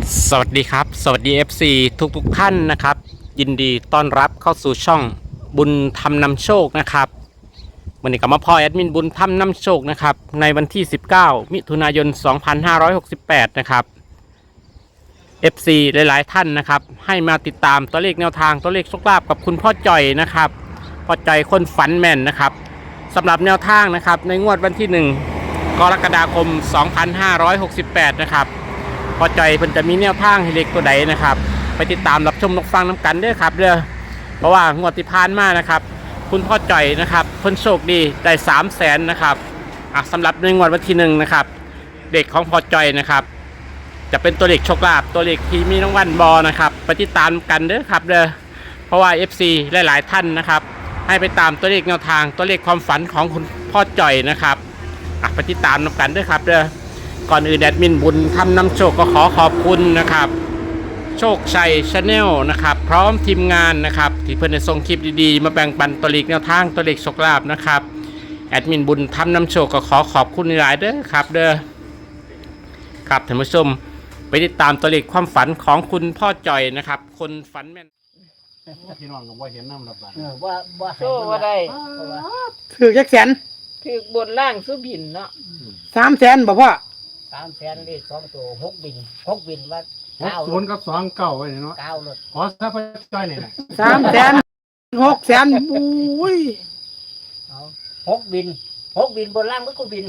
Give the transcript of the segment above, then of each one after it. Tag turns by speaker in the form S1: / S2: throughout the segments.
S1: สวัสดีครับสวัสดี FC ทุกท่านนะครับยินดีต้อนรับเข้าสู่ช่องบุญธรรมนำโชคนะครับวันนี้ก็มาพ่อแอดมินบุญธรรมนำโชคนะครับในวันที่19มิถุนายน2568นะครับ FC หลายๆท่านนะครับให้มาติดตามตัวเลขแนวทางตัวเลขโชคลาภกับคุณพ่อจ่อยนะครับพ่อจ่อยคนฝันแม่นนะครับสำหรับแนวทางนะครับในงวดวันที่1กรกฎาคม2568นะครับพอใจเพิ่นจะมีแนวทางให้เล็กตัวใดนะครับไปติดตามรับชมรับฟังน้ำกันเด้อครับเพราะว่างวดที่ผ่านมานะครับคุณพ่อจ่อยนะครับเพิ่นโชคดีได้300,000นะครับสำหรับในงวดวันที่1นะครับเด็กของพ่อจ่อยนะครับจะเป็นตัวเลขโชคลาภตัวเลขที่มีรางวัลบอนะครับไปติดตามกันเด้อครับเพราะว่า FC หลายๆท่านนะครับให้ไปตามตัวเลขแนวทางตัวเลขความฝันของคุณพ่อจ่อยนะครับไปติดตามกันเด้อครับก่อนอื่นแอดมินบุญทำนำโชคก็ขอขอบคุณนะครับโชคชัยชาแนลนะครับพร้อมทีมงานนะครับที่เพื่อนได้ส่งคลิปดีๆมาแบ่งปันตัวเลขแนวทางตัวเลขโชคลาภนะครับแอดมินบุญทำนำโชคก็ขอขอบคุณหลายเด้อครับครับท่านผู้ชมไปติดตามตัวเลขความฝันของคุณพ่อจ่อยนะครับคนฝันแม่นพี่น้องว่าเห็นน้ำระบาด
S2: ว่าโซ่ว่าได้
S3: ถือจักแสน
S2: ถือบนล่างสุบินเนาะ
S3: 300,000บ่พ่อ
S4: 300,000เลข2ตัว6บินว่า
S1: 60กับ29ไว้เนาะ
S4: 9รถ
S1: ขอซะพ่อจ่อยนี่นะ
S3: 300,000 600,000อุ้ย
S4: เอา6บินบนล่างมันก็บิน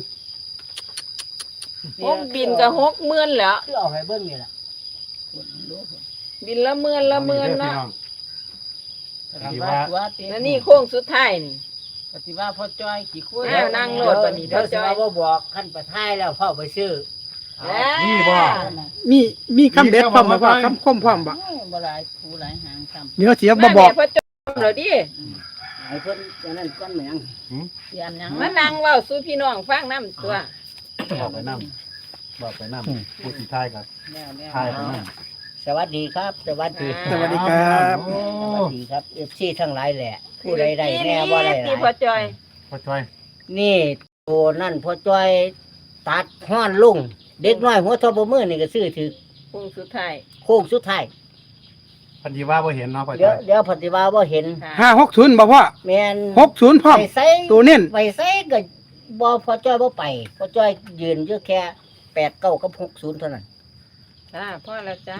S2: 6 บินกับ60,000แล้ว
S4: คือเอาให้เบิ่งนี่ล่ะ
S2: บินละเมื่นเนาะ
S4: ว่า
S2: แล้วนี่โค้งสุดท้ายนี่
S4: ปฏิว่าพ่อจ้อยกี่คน
S2: นั่งโลดบัดนี้พ่อจ้อย
S4: บ่บอกขั้นประท้ายแล้วพ่อไปซื้อ
S1: นี่บ่
S3: มีคำเด็ดพร้อมบ่พ่อคำคมพร้อมบ่
S4: บ่หลายผู้หลายหางซ้ำ
S3: เดี๋ยวเสียบ่บอก
S2: พ่อจ้อยเหรอดิ
S4: ให้เพิ่นจังนั้นก่อนแม่งเสียนหยัง
S2: มานั่งเว้าสู่พี่น้องฟังนำตัว
S1: บอกไปนำผู้ที่ทายครับทายไปนำ
S4: สวัสดีครับสวัสดี
S3: สวัสดีครับ
S4: สวัสดีครับ FC ทั้งหลายแหละผู้ใดได้แน่บ่ได้หลาย
S2: พ่อจ้อย
S4: นี่ตัวนั่นพ่อจ้อยตัดฮ้อนลุงเด็กน้อยหัวทบมือนี่ก็ซื้อถือ
S2: โค้งสุดท้าย
S1: พันธีว่าบ่เห็นเนาะพ่อ
S4: เดี๋ยวปฏิว่าบ่เห็น
S3: 560บ่พ่อ
S4: แม่น
S3: 60พร้อมตัวเน้น
S4: ไปใส่ก็บ่พ่อจ้อยบ่ไปพ่อจ้อยยืนอยู่แค่8 9กับ60เท่านั้น
S2: พ่อละจ้า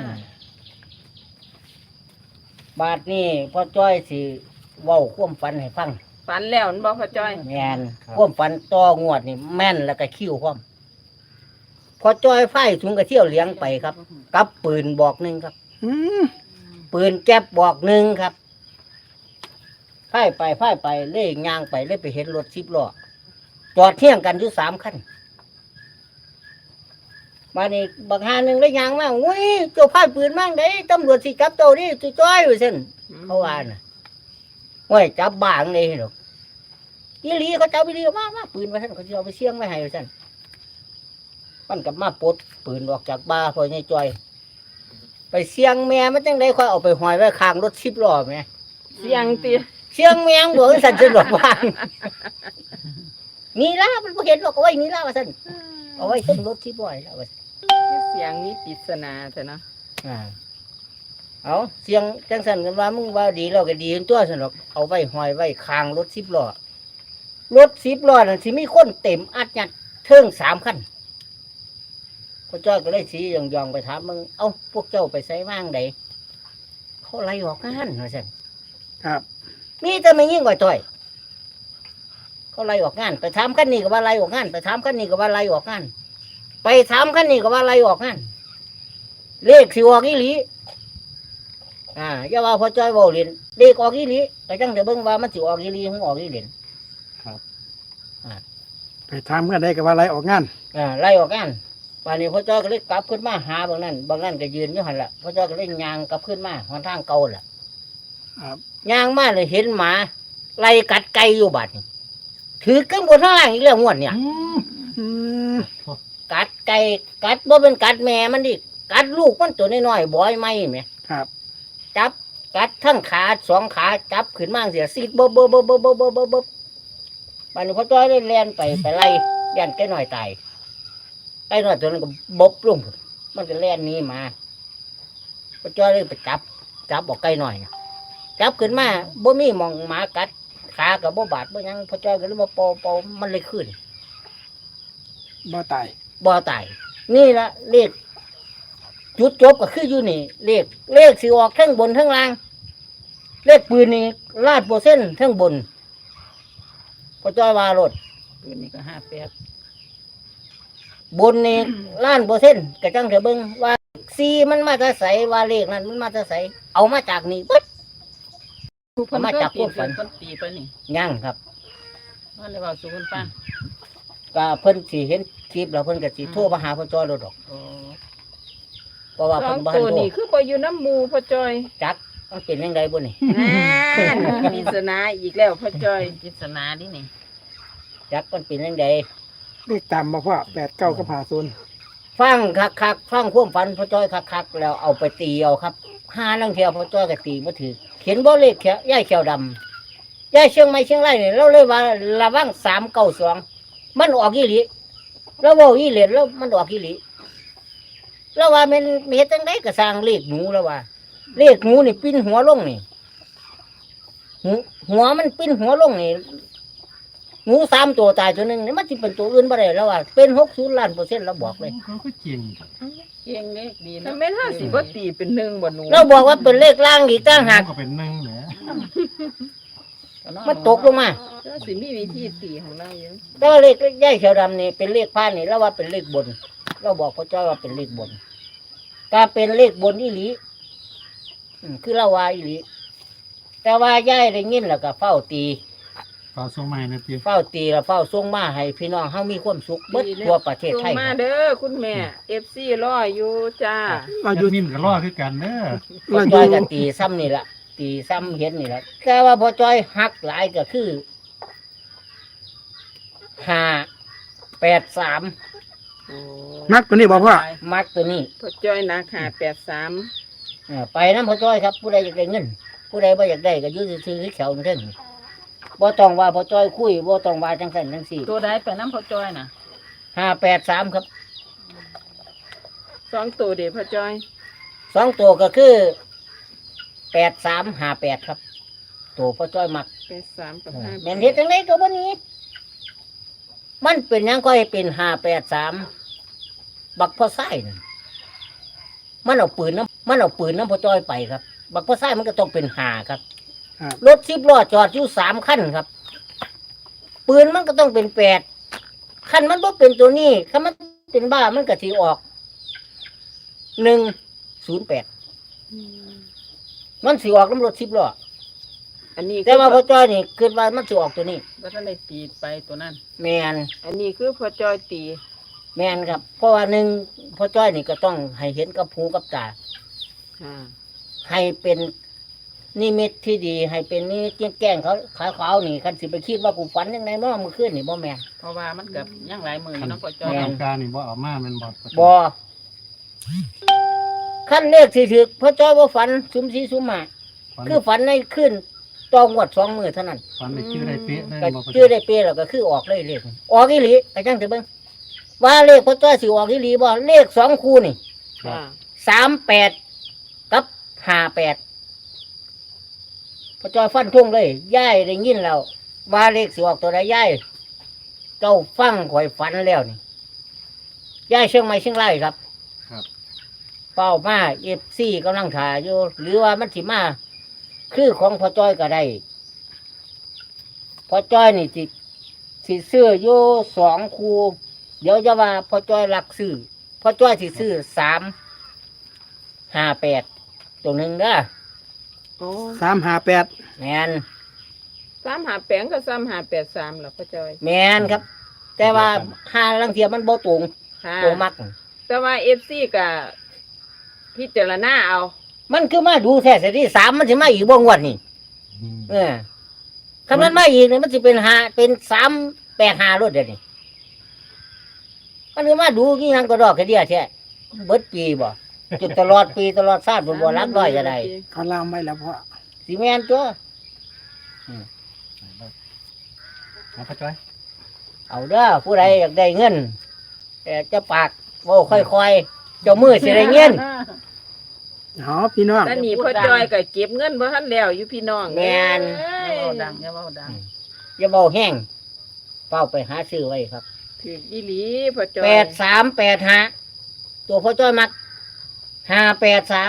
S4: บาดนี้พ่อจ้อยสิเว้าความฝันให้ฟัง
S2: ฝันแล้วมันบ่พ่อจ้อย
S4: แม่นความฝันต่องวดนี่แม่นแล้วก็คิ้วพร้อมพ่อจ้อยไฟถุงกระเที่ยวเลี้ยงไปครับกับปืนบอกหนึ่งครับปืนแก๊ปบอกหนึ่งครับไฟไปเล่ยยางไปเล่ยไปเห็นรถ10 ล้อจอดเที่ยงกันอยู่3 คันมานี่บักหาหนึ่งได้ยางมาอุ้ยเจ้าพายปืนมั่งได้ตำรวจสิจับเจ้านี่จ้อยอยู่เส้นเขาว่าน่ะว่าจับบ้างเลยหรอกอีหลีเขาจับอีหลีมาปืนมาท่านเขาจะเอาไปเสี่ยงไม่ให้ท่านมันกับมาปลดปืนออกจากบ้าพอเนี่ยจ้อยไปเสี่ยงแม่มันจังได้ค่อยเอาไปหอยไว้ข้างรถ10 ล้อแม่
S2: เสียง
S4: แมงบอกสั่นสะดวกบ้างนี่ล่ะมันบ่เห็นหรอกเอาไว้นี่ล่ะว่าซั่นเอาไว้ขึ้นรถ10 ล้อแล้วว่า
S2: เสียงนี้ปริศนาแต่เนาะ
S4: เอาเสียงจังสันกันว่ามึงว่าดีเราก็ดีตัวสนุกเอาไว้หอยไว้คางรถ10 ล้อนั่นสิมีคนเต็มอัดยัดเทิง3 คันพ่อจ้อยก็เลยสียองไปถามมึงเอ้าพวกเจ้าไปใส่ว่างใดเขาไล่ออกงานว่าซั่น
S3: ครับ
S4: มีแต่ไม่ยิ่งกว่าจ้อยเขาไล่ออกงานไปถามคันนี้ก็ว่าไล่ออกงานไปถามคันนี้ก็ว่าไล่ออกงานไปถามคันนี้ก็ว่าไล่ออกงานเลขสิออกอีหลีอย่าว่าพ่อจ้อยเว้าเล่นเลขออกอีหลีก็จังเดี๋ยวเบิ่งว่ามันสิออกอีหลีหรือออกอีหลี
S3: ครับไปถามกันได้ก็ว่าไล่ออกงาน
S4: ไล่ออกงานป่านนี้พ่อจ้อยก็เลยกลับขึ้นมาหาบางนั้นก็ยืนอยู่หั่นล่ะพ่อจ้อยก็เลยย่างกลับขึ้นมาหนทางเก่าล่ะ
S3: ครับ
S4: ย่างมาเลยเห็นหมาไล่กัดไก่อยู่บัดถือขึ้นบนข้างล่างอีกแล้วงวดเนี่ยกัดไก่กัดบ่เป็นกัดแม่มันดิกัดลูกมันตัวน้อยๆบ่อยไหมแม่
S3: ครับ
S4: จับกัดทั้งขา2 ขาจับขึ้นมาเสียซีดบ่บัดนี้พ่อจ้อยได้แล่นไปไล่แล่นไก่น้อยตายไก่น้อยตัวนั้นก็บลงมันก็แล่นหนีมาพ่อจ้อยเลยไปจับบอกไก่หน่อยจับขึ้นมาบ่มีหมองหมากัดขากับบ่บาดบ่หยังพ่อจ้อยก็เลยมาเป่ามันเลยขึ้น
S3: บ่ตาย
S4: บ่ตายนี่ละเลขจุดจบก็คืออยู่นี่เลขสิออกทั้งบนทั้งล่าง เลขปืนนี่ลาดโปรเซ็นต์ทั้งบนพ่อจ้อยว่ารถ
S2: ปืนนี่ก็58
S4: บนนี่ล้านเปอร์เซ็นต์กระจังเถอะเบิ่งว่าซีมันมาจะใสว่าเลขนั้นมันมาจะใสเอามาจากนี่ปึ๊ด เอามาจากพวกฝัน
S2: เพิ่นตีไปนี่
S4: ยังครับ
S2: ว่าเลยว่าสู่เพิ่นฟัง
S4: ก็เพิ่นสิเห็นคลิปแล้วเพิ่นก็สิโทรมาหาพ่อจ้อยโลดดอก
S2: โอ้
S4: เพราะว่า
S2: สอ
S4: เพิ่
S2: ง
S4: นบ่ทั
S2: ตั
S4: น
S2: ว
S4: โทร
S2: นี่คือบ่อยู่น้ำหมู่พ่อจอย
S4: จักมันเป็นจังไดบ่นี่
S2: มีสนาอีกแล้วพ่อจอยปริศนาดินี่
S4: จักมันเป็นจังได
S3: เลขตามมาพ่อ8 9กับ50
S4: ฟังคักๆฟังความฝันพ่อจ้อยคักๆแล้วเอาไปตีเอาครับหาลังเที่ยวพ่อจ้อยก็ตีบ่ถือเขียนบ่เลขแค่ยายเขียวดำยายเชียงใหม่เชียงรายนี่เราเลยว่าระวัง392มันออกอีหลีเราเว้าอีเหรียญแล้วมันออกอีหลีแล้วว่ามันเฮ็ดจังไดก็สร้างเลขหนูแล้วว่า เลขหนูนี่ปิ้นหัวลงนี่หัวมันปิ้นหัวลงนี่หนู3ตัวตายตัวหนึงนี่มันสิเป็นตัวอื่นบ่ได้แล้วว่าเป็น60ล้านเปอร์เซ็นต์เราบอกเลย
S3: เขาก็จริง
S2: เก่งเลขดีนะแม่นห้าสิบ่ตีเป็นหนึ่งบ่หนู
S4: เราบอกว่าเป็นเลขล่างอีกต่างหาก
S3: ก็เป็น1แหละ
S4: มันตกลงมา
S2: ก็สิมีวิธีตีของเราอยู่
S4: แต่ว่าเลขย่ายเขียวดำนี่เป็นเลขพานนี่เราว่าเป็นเลขบน เราบอกพระเจ้าว่าเป็นเลขบนก็เป็นเลขบนอีหลีคือเราว่าอีหลีแต่ว่าย่ายได้ยินแล้วก็เฝ้าตี
S3: ฝากส่งใหม่นะพี่
S4: เฝ้าตีแล้วเฝ้าส่งมาให้พี่น้องเฮามีความสุขเบิดทั่วประเทศ
S2: ส่ง
S4: ไทย
S2: มา
S4: ครับ
S2: เด้อคุณแม่ FC รออยู่จ้า
S3: เราอยู่นิ่มก็รอคือกันเด้อ
S4: พอจ้อยก็ตีซ้ำนี่ละตีซ้ำเห็นนี่ละแต่ว่าพอจ้อยหักหลายก็คือ583
S2: โอ้
S3: นักตัวนี้บอกพ่อ
S4: มักตัวนี้
S2: พ่อจอยนะ583
S4: ไปน้ำพอจ้อยครับผู้ใดอยากได้เงิน ผู้ใดบ่อยากได้ก็อยืดซื้อแขวนั่นบ่ต้องว่าพอจ้อยคุยบ่ต้องว่าจังสันจังสี่
S2: ตัวใดไปน้ำพ่อจอยน่ะ
S4: 583ครับ
S2: 2ตัวเด้อพ่อจอย
S4: 2ตัวก็คือ8358ครับตัวพอจ้อยมัก
S2: 83กับ
S4: แม่นเฮ็ดจังไดก็บ่หนี้มันเป็นหยังก็ให้เป็น583บักพ่อไส้นั่นมันเอาปืนน้ำพอจ้อยไปครับ บักพ่อไส้มันก็ต้องเป็น5ครับ
S3: ครับ
S4: รถ10ล้อจอดอยู่3คันครับ ปืนมันก็ต้องเป็น8คันมันบ่เป็นตัวนี้คันมันเป็นบ้ามันก็สิออก108มันสิออกน้ำรถ10ล้อ
S2: อันนี้
S4: แต่ว่าพ่อจ้อยนี่คิดว่ามันสิออกตัวนี้
S2: บ่ทันได้ตีไปตัวนั้น
S4: แม่น
S2: อันนี้คือพ่อจอยตี
S4: แม่นครับ เพราะว่าหนึ่งพ่อจ้อยนี่ก็ต้องให้เห็นกับหูกับตา
S2: อ่า
S4: ให้เป็นนิมิตที่ดี ให้เป็นนี่แกล้งเขาขาวๆนี่คันสิไปคิดว่ากูฝันยังไงบ่เมื่อคืนนี่บ่แม่น
S2: เพราะว่ามันกับยังหลายมืออยู่เนาะพ่อจอย
S4: แม่
S3: ทำการนี่บ่เอามาแมันบ่
S4: บ่ขั้นเลขสิถึกพ่อจ้อยบ่ฝันซุ่มสีซุ่มหมาคือฝันในคืนตองวด2 มื้อเท่านั้น
S3: ฝันได้ชื่อได้เป๊ะได้
S4: ก็
S3: บ่
S4: ชื่อได้เปแล้วก็คือออกเลยเลขออกอีหลีไปจังสิเบิ่งว่าเลขพ่อจ้อยสิออกอีหลีบ่เลข2คู่นี่
S2: อ่า
S4: 38กับ58พอจอยฟันทุ่งเลยย่ายได้ยินแล้วว่าเลขสิออกตัวใดย่ายเจ้าฟังข่อยฝันแล้วนี่ย่ายเชียงใหม่เชียงรายครับ
S3: ครับ
S4: เป้ามาFCกำลังถ่ายอยู่หรือว่ามันสิมาคือของพอจอยก็ได้พอจอยนี่สิซื้ออยู่2 คู่เดี๋ยวจะว่าพอจอยรักซื้อพอจอยสิซื้อ358ตัวหนึ่งเด้อ
S2: โอ้
S3: 358
S4: แมน
S2: 358กับ3583ล่ะพ่อจอย
S4: แมนครับ แต่ว่าห้าลังเทียมันบ่ตรง
S2: ค่ะ
S4: ตัวมัก
S2: แต่ว่า FC ก็พิจารณาเอา
S4: มันคือมาดูแท้สิที่3มันสิมาอีกบ่งวดนี่คำนั้นมาอีกนี่มันสิเป็น385รถเดี๋ยวนี้มันคือมาดูกี่ยังก็ดอกกระเดียแท้เบิดปีบ่จุดตลอดปีตลอดชาติบ่รักร้อยจะได้
S3: เขาลามไว้แล้วพ่อ
S4: สิแม่นตัว
S3: เอาพ่อจ้อย
S4: เอาเด้อผู้ใดอยากได้เงินแต่จะปากเว้าค่อยๆเจ้ามือสิได้เงิน
S3: อ๋อพี่น้อง
S2: แต่นี่พ่อจอยก็เก็บเงินบ่ทันแล้วอยู่พี่น้อง
S4: แม่น
S2: เอ้ย
S5: อย่าเว้าดัง
S4: อย่าเบาแห้งเฝ้าไปหาซื้อไว้ครับ
S2: ถืออีหลีพ่อจอย
S4: 8385ตัวพ่อจ้อยมัก583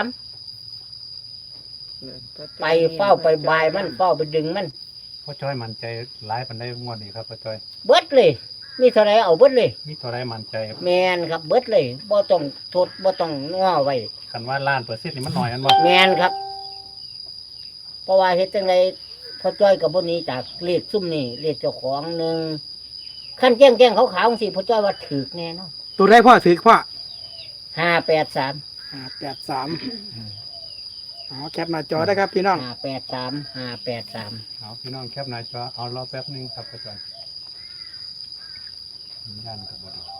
S4: ไปเฝ้าไปบายมันเฝ้าไปดึงมัน
S6: พ่อจ้อยมั่นใจหลายปานใดงวดนี้ครับพ่อจ้อย
S4: เบิดเลยมีเท่าไรเอาเบิดเลย
S6: มีตัวใดมั่นใจ
S4: แมนครับเบิดเลยบ่ต้องทดบ่ต้องง้อไว้
S6: คันว่าล้านเปอร์เซ็นต์นี่มันน้อยอันบ่
S4: แมนครับ เพราะว่าเฮ็ดจังไดพอจ้อยกับบ่หนี้จากเลขซุ่มนี่เลขเจ้าของหนึงขั้นแก้งขาวๆจังซี่พอจ้อยว่าถูกแน่เนาะ
S3: ตัวได้พ่อถือพ่อ
S4: 583
S3: 583อ๋อแคปหน้าจอได้ครับพี่น้อง
S4: 583
S6: เอาพี่น้องแคปหน้าจอเอารอแป๊บหนึงครับพ่อจ้อยสัญญาณก็บ่ดี